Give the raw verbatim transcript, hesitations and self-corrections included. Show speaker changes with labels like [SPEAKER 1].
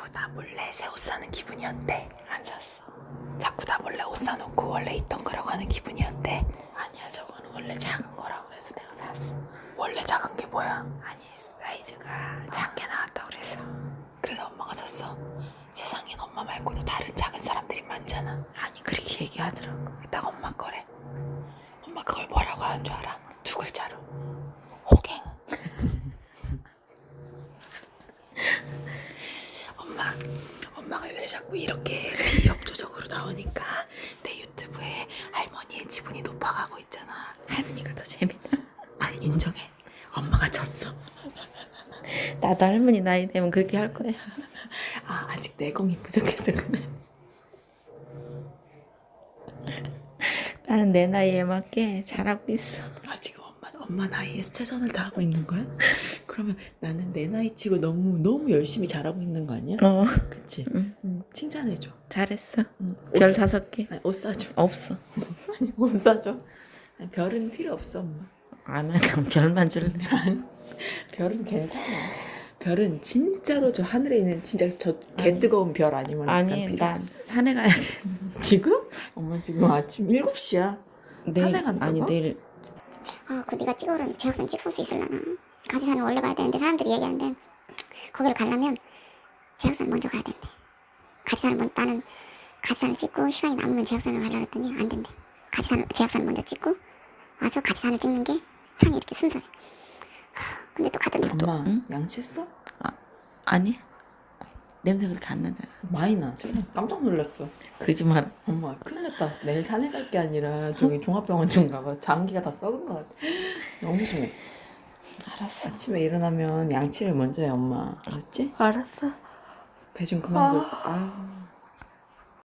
[SPEAKER 1] 자꾸 나 몰래 새 옷 사는 기분이었대. 안 샀어. 자꾸 나 몰래 옷 사놓고 원래 있던 거라고 하는 기분이었대. 아니야, 저거는 원래 작은 거라고 해서 내가 샀어. 원래 작은 게 뭐야? 아니, 사이즈가 작게 나왔다 그래서. 그래서 엄마가 샀어. 세상엔 엄마 말고도 다른 작은 사람들이 많잖아. 아니, 그렇게 얘기하더라고. 딱 엄마 거래. 엄마 그걸 뭐라고 하는 줄 알아? 두 글자로. 호갱. 엄마, 엄마가 요새 자꾸 이렇게 비협조적으로 나오니까 내 유튜브에 할머니의 지분이 높아가고 있잖아. 할머니가 더 재밌다. 아, 인정해. 엄마가 졌어.
[SPEAKER 2] 나도 할머니 나이 되면 그렇게 할 거야.
[SPEAKER 1] 아, 아직 내공이 부족해서 그래.
[SPEAKER 2] 나는 내 나이에 맞게 잘하고 있어.
[SPEAKER 1] 아, 지금 엄마, 엄마 나이에서 최선을 다하고 있는 거야? 그러면 나는 내 나이 치고 너무 너무 열심히 잘하고 있는 거 아니야?
[SPEAKER 2] 어,
[SPEAKER 1] 그치?
[SPEAKER 2] 응.
[SPEAKER 1] 응, 칭찬해줘.
[SPEAKER 2] 잘했어.
[SPEAKER 1] 응,
[SPEAKER 2] 별
[SPEAKER 1] 옷 사-
[SPEAKER 2] 다섯 개.
[SPEAKER 1] 아니, 옷 사줘.
[SPEAKER 2] 없어.
[SPEAKER 1] 아니, 옷 사줘. 아니, 별은 필요 없어, 엄마.
[SPEAKER 2] 안 하자. 별만 줄래.
[SPEAKER 1] 별은 괜찮아. 별은 진짜로 저 하늘에 있는 진짜 저 개 뜨거운 별 아니면
[SPEAKER 2] 아니,
[SPEAKER 1] 난 필요
[SPEAKER 2] 난 산에 가야 돼.
[SPEAKER 1] 없어. 지금? 엄마 지금 아침 일곱 시야.
[SPEAKER 2] 내일,
[SPEAKER 1] 산에 간다고?
[SPEAKER 2] 아니, 내일.
[SPEAKER 3] 아, 그 네가 찍어오라면 제약산 찍을 수 있을라나? 가지산을 원래 가야 되는데 사람들이 얘기하는데 거기를 가려면 제약산 먼저 가야 된대. 가지산을 먼 나는 가지산을 찍고 시간이 남으면 제약산을 가려고 했더니 안 된대. 가지산 제약산을 먼저 찍고 와서 가지산을 찍는 게 산이 이렇게 순서래. 하, 근데 또 가더니 또
[SPEAKER 1] 엄마
[SPEAKER 2] 응?
[SPEAKER 1] 양치했어?
[SPEAKER 2] 아, 아니? 냄새 그렇게 안 나잖아.
[SPEAKER 1] 많이 나. 정말 깜짝 놀랐어.
[SPEAKER 2] 거짓말.
[SPEAKER 1] 엄마 큰일 났다. 내일 산에 갈 게 아니라 저기 종합병원 좀 가봐. 장기가 다 썩은 것 같아. 너무 심해.
[SPEAKER 2] 알았어.
[SPEAKER 1] 아침에 일어나면 양치를 먼저 해, 엄마. 알았지?
[SPEAKER 2] 알았어.
[SPEAKER 1] 배 좀 그만 볼까? 아.